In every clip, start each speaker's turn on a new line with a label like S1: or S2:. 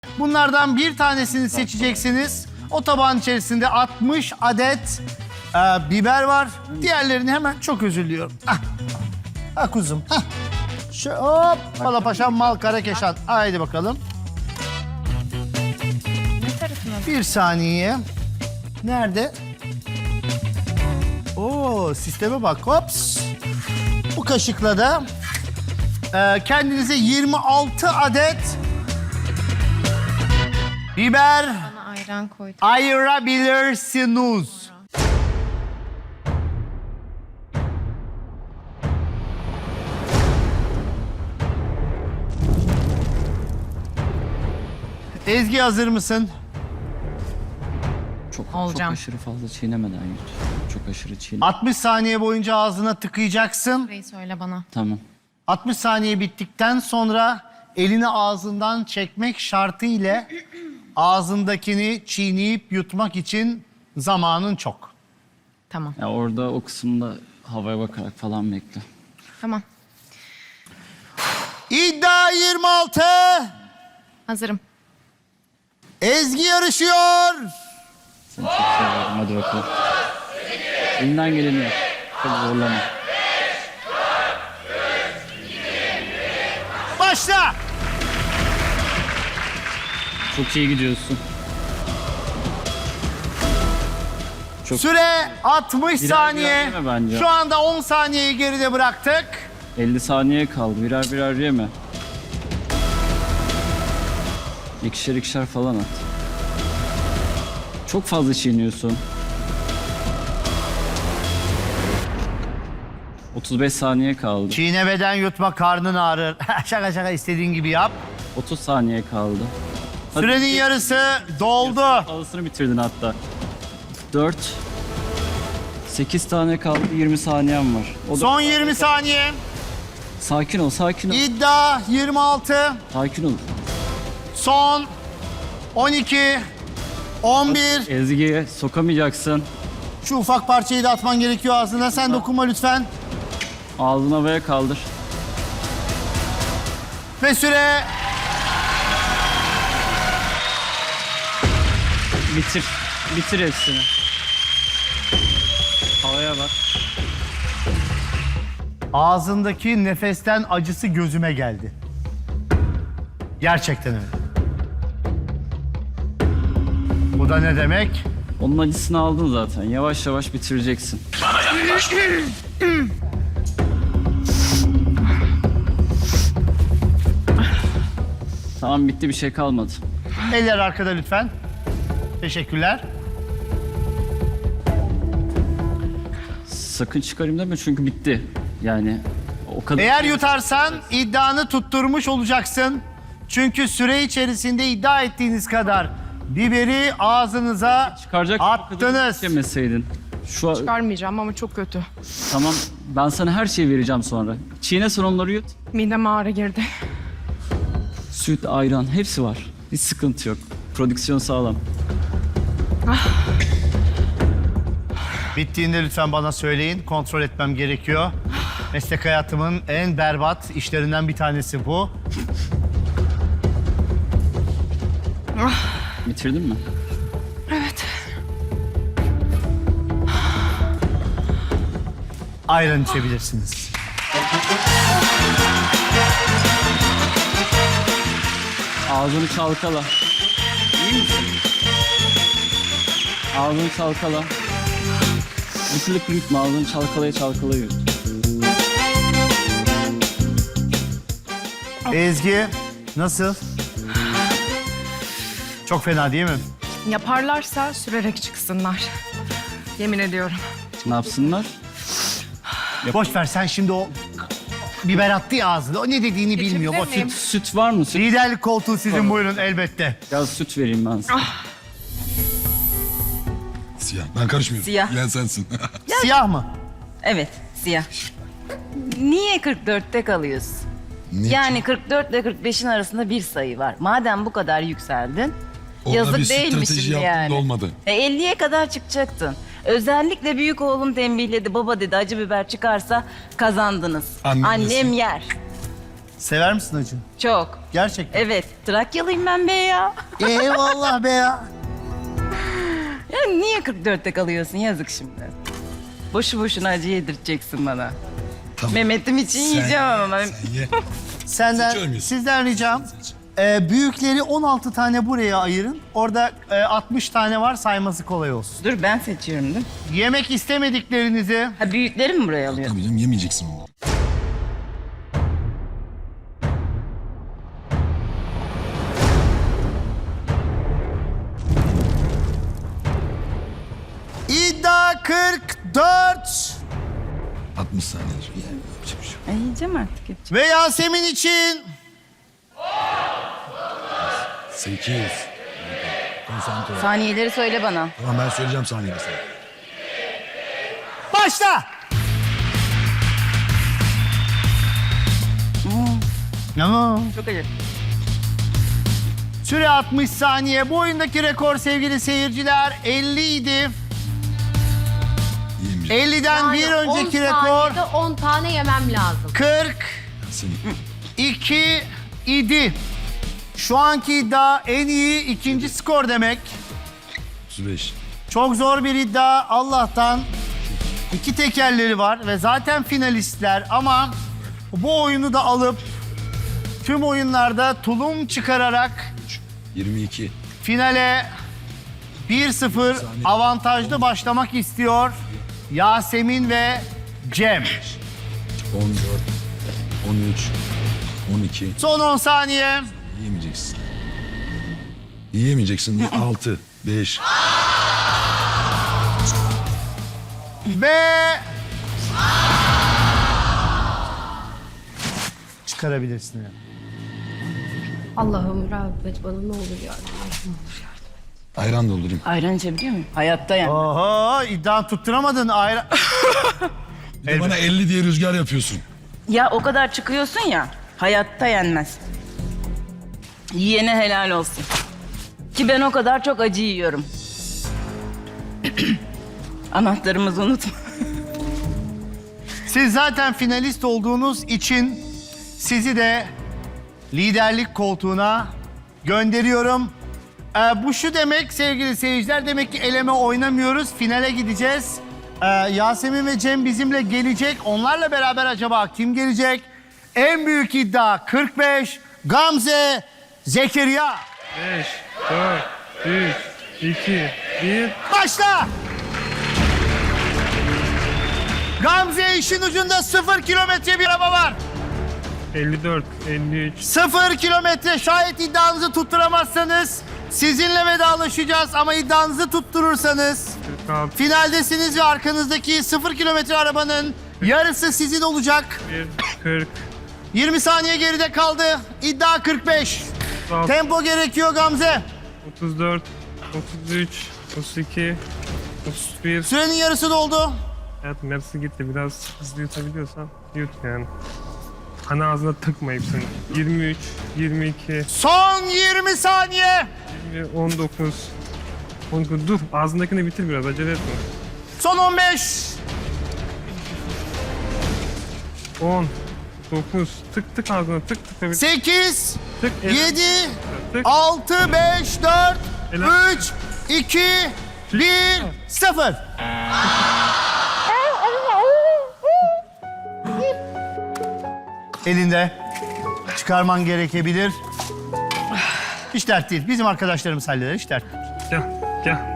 S1: Bunlardan bir tanesini seçeceksiniz. O tabağın içerisinde 60 adet biber var. Diğerlerini hemen çok özür diliyorum. Kuzum. Hop. Palapaşam mal karakeşan. Haydi bakalım. Bir saniye. Nerede? Oo, sisteme bak. Hops. Bu kaşıkla da kendinize 26 adet biber
S2: Bana ayran koydum.
S1: ayırabilirsiniz. Ezgi hazır mısın?
S3: Çok
S2: Olacağım.
S3: aşırı fazla çiğnemeden yut. Çok aşırı çiğne.
S1: 60 saniye boyunca ağzına tıkayacaksın.
S2: Burayı söyle bana.
S3: Tamam.
S1: 60 saniye bittikten sonra elini ağzından çekmek şartı ile ağzındakini çiğneyip yutmak için zamanın çok.
S2: Tamam.
S3: Ya orada o kısımda havaya bakarak falan bekle.
S2: Tamam.
S1: İddia 26.
S2: Hazırım.
S1: Ezgi yarışıyor.
S3: Seni çok seviyorum. Hadi bakalım. Elinden geleni yap. Çok zorlama.
S1: Başla.
S3: Çok iyi gidiyorsun. Çok
S1: Süre 60 saniye.
S3: birer yeme bence.
S1: Şu anda 10 saniyeyi geride bıraktık.
S3: 50 saniye kaldı. Birer birer yeme. İkişer ikişer falan at. Çok fazla çiğniyorsun. 35 saniye kaldı.
S1: Çiğnemeden yutma, karnın ağrır. şaka şaka, istediğin gibi yap.
S3: 30 saniye kaldı. Hadi.
S1: Sürenin yarısı doldu.
S3: Fazlasını bitirdin hatta. 4 8 tane kaldı. 20 saniyem var. O da...
S1: Son 20 saniye.
S3: Sakin ol, sakin ol.
S1: İddia 26.
S3: Sakin ol.
S1: Son 12. 11.
S3: Ezgi'ye sokamayacaksın.
S1: Şu ufak parçayı da atman gerekiyor ağzına. Sen dokunma lütfen.
S3: Ağzını havaya kaldır.
S1: Ve süre
S3: Bitir. Bitir hepsini. Havaya bak.
S1: ağzındaki nefesten acısı gözüme geldi. Gerçekten öyle. Bu da ne demek?
S3: Onun acısını aldın zaten. Yavaş yavaş bitireceksin. Tamam, bitti, bir şey kalmadı.
S1: Eller arkada lütfen. Teşekkürler.
S3: Sakın çıkarayım deme çünkü bitti. Yani o kadar...
S1: Eğer yutarsan iddianı tutturmuş olacaksın. Çünkü süre içerisinde iddia ettiğiniz kadar biberi ağzınıza
S3: Çıkaracak
S1: attınız.
S3: yemeseydin. Şu an...
S4: Çıkarmayacağım ama çok kötü.
S3: Tamam, ben sana her şeyi vereceğim sonra. Çiğne, sonra onları yut.
S4: Mideme ağrı girdi.
S3: Süt, ayran hepsi var. Hiç sıkıntı yok. Prodüksiyon sağlam.
S1: Bittiğinde lütfen bana söyleyin. Kontrol etmem gerekiyor. Meslek hayatımın en berbat işlerinden bir tanesi bu.
S3: Bitirdin mi?
S4: Evet.
S1: Ayran içebilirsiniz.
S3: Ağzını çalkala. İyi misin? Ağzını çalkala. Lık yutma, ağzını çalkalaya çalkalaya yut.
S1: Ezgi, nasıl? Çok fena değil mi?
S4: Yaparlarsa sürerek çıksınlar. Yemin ediyorum.
S3: Ne yapsınlar?
S1: Boş ver, sen şimdi o biber attı ya ağzına. O ne dediğini bilmiyor. O
S4: miyim?
S1: süt.
S3: Süt var mı? Süt.
S1: Liderlik koltuğu sizin, buyurun elbette.
S3: Biraz süt vereyim ben sana.
S5: Siyah. Ben karışmıyorum.
S6: Siyah.
S5: Bilen sensin.
S1: Siyah mı?
S6: Evet, siyah. Niye 44'te kalıyorsun?
S5: Niye?
S6: Yani 44 ile 45'in arasında bir sayı var. Madem bu kadar yükseldin,
S5: Orada
S6: yazık
S5: bir
S6: değil mi
S5: strateji
S6: şimdi
S5: yaptım
S6: yani?
S5: da olmadı.
S6: 50'ye kadar çıkacaktın. Özellikle büyük oğlum tembihledi. Baba dedi, acı biber çıkarsa kazandınız.
S5: Annem
S6: Annem
S5: yesin.
S6: yer.
S1: Sever misin acı?
S6: Çok.
S1: Gerçekten.
S6: Evet. Trakyalıyım ben be ya.
S1: Eyvallah be ya.
S6: Ya niye 44'te kalıyorsun? Yazık şimdi. Boşu boşuna acı yedireceksin bana.
S5: Tamam.
S6: Mehmet'im için yiyeceğim ama.
S5: Sen ye.
S1: Senden,
S5: Seçiyor muyuz?
S1: sizden ricam büyükleri 16 tane buraya ayırın. Orada 60 tane var, sayması kolay olsun.
S6: Dur ben seçiyorum değil mi?
S1: Yemek istemediklerinizi
S6: Ha büyükleri mi buraya alıyor?
S5: Tabii canım yemeyeceksin onu.
S1: iddia 44
S5: 60 saniyedir. Ye, yapacak bir şey yok.
S6: Ay, yiyeceğim artık yapacağım.
S1: ve Yasemin için
S5: 8. Konsantre ol.
S6: Saniyeleri söyle bana.
S5: Tamam ben söyleyeceğim saniyeyi sana.
S1: başla. Ama
S6: Çok acı.
S1: süre 60 saniye. Bu oyundaki rekor sevgili seyirciler 50 idi.
S5: Yiyemeyeceğim.
S1: 50'den bir önceki rekor
S7: 10 tane yemem lazım.
S1: 42 idi. Şu anki iddia en iyi ikinci skor demek.
S5: 35.
S1: Çok zor bir iddia. Allah'tan iki tekerleri var ve zaten finalistler ama bu oyunu da alıp tüm oyunlarda tulum çıkararak
S5: 22.
S1: finale 1-0 avantajlı başlamak istiyor Yasemin ve Cem.
S5: 14. 13. 12.
S1: Son 10 saniye.
S5: Yiyemeyeceksin. Yiyemeyeceksin. 6. 5.
S1: Ve çıkarabilirsin. Yani.
S7: Allah'ım rahmet bana ne olur yardım et.
S5: Ayran doldurayım.
S6: Ayran içebiliyor muyum? Hayatta yani.
S1: Oho, iddia tutturamadın.
S5: Bir de bana 50 diye rüzgar yapıyorsun.
S6: Ya o kadar çıkıyorsun ya. Hayatta yenmez. Yiyene helal olsun. Ki ben o kadar çok acı yiyorum. Anahtarımızı unutma.
S1: Siz zaten finalist olduğunuz için sizi de liderlik koltuğuna gönderiyorum. Bu şu demek sevgili seyirciler, demek ki eleme oynamıyoruz, finale gideceğiz. Yasemin ve Cem bizimle gelecek. Onlarla beraber acaba kim gelecek? En büyük iddia 45, Gamze, Zekeriya.
S8: 5, 4, 3, 2, 1.
S1: Başla! Gamze işin ucunda 0 kilometre bir araba var.
S8: 54, 53.
S1: 0 kilometre, şayet iddianızı tutturamazsanız sizinle vedalaşacağız ama iddianızı tutturursanız
S8: 46,
S1: finaldesiniz ve arkanızdaki 0 kilometre arabanın yarısı sizin olacak.
S8: 40,
S1: 20 saniye geride kaldı. İddia 45.
S8: 36,
S1: Tempo gerekiyor Gamze.
S8: 34, 33, 32, 31.
S1: Sürenin yarısı doldu.
S8: Hayatım yarısı gitti. Biraz hızlı yutabiliyorsan yut yani. Hani ağzına tıkma hepsini. 23, 22,
S1: Son 20 saniye.
S8: 20, 19, 19. Dur ağzındakini bitir biraz acele etme.
S1: Son 15.
S8: 10, 9, tık tık ağzına tık tık.
S1: 8,
S8: Tık,
S1: 7,
S8: tık.
S1: 6, 5, 4,
S8: Helal.
S1: 3, 2, 1, 0. Elinde çıkarman gerekebilir. Hiç dert değil. Bizim arkadaşlarımız halleder. Hiç dert değil.
S8: Gel, gel.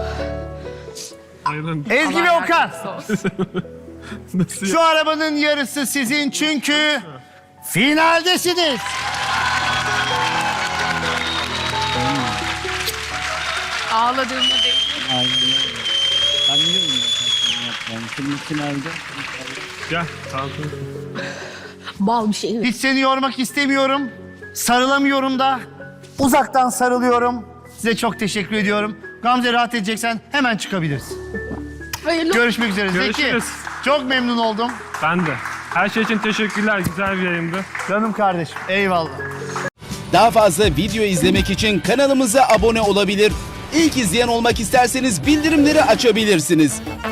S8: Ayran.
S1: Ezgi ve Okan.
S8: Nasıl
S1: Şu arabanın yarısı sizin çünkü finaldesiniz.
S2: Ağladığımda değil.
S3: Aynen öyle. Ben biliyorum zaten bunu yapacağını. Şimdi finalde.
S8: Gel, sağ ol.
S7: Bal bir şey.
S1: Hiç seni yormak istemiyorum. Sarılamıyorum da. Uzaktan sarılıyorum. Size çok teşekkür ediyorum. Gamze rahat edeceksen hemen çıkabilirsin.
S7: Hayırlı.
S1: Görüşmek üzere. Zeki,
S8: Görüşürüz.
S1: çok memnun oldum.
S8: Ben de. Her şey için teşekkürler. Güzel bir yayındı.
S1: Canım kardeşim. Eyvallah.
S9: Daha fazla video izlemek için kanalımıza abone olabilir. İlk izleyen olmak isterseniz bildirimleri açabilirsiniz.